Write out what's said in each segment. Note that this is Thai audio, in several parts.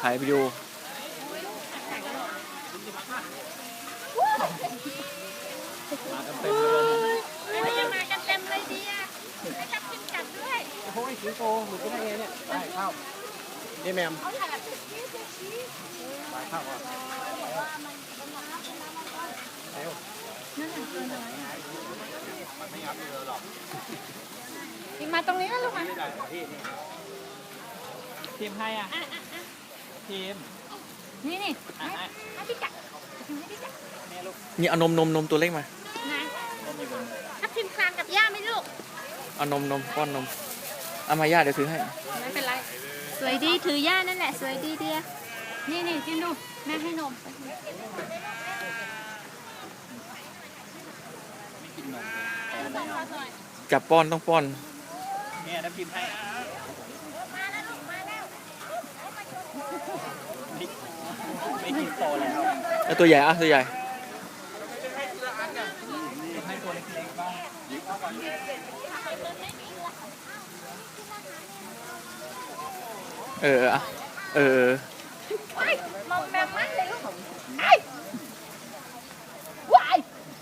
ถ่ายวิดีโอมากันเต็มเลยมากันเต็มเลยดีอ่ะให้จับกินกัดด้วยโอ้ยสิงโตหลุดไปได้ไงเนี่ยได้เข้านี่แมมไปเข้าก่อนเร็วมันไม่งับเลยหรอกมาตรงนี้นะลูกมาทีมให้อ่ะทีมนี่ให้พี่กัดให้พี่กัดแม่ลูกนี่เอานมตัวเล็กมานะทับทิมคลานกับย่าไหมลูกเอานมป้อนนมเอามาย่าเดี๋ยวถือให้ไม่เป็นไรสวยดีถือย่านั่นแหละสวยดีเดียนี่จิ้มดูแม่ให้นมไม่กินนมจับป้อนต้องป้อนเนี่ยน้ำพิมพ์ให้ไม่กินโตแล้วแล้วตัวใหญ่อ่ะตัวใหญ่ให้ตัวเล็กๆบ้างอ่ะมองแบบนั้นเลยลูกว้าย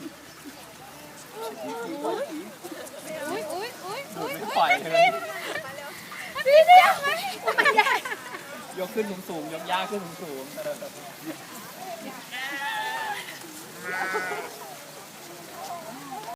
อุ้ยปล่อยเลยพี่เดียวไหมยกขึ้นสูงๆยกยากขึ้นสูงๆ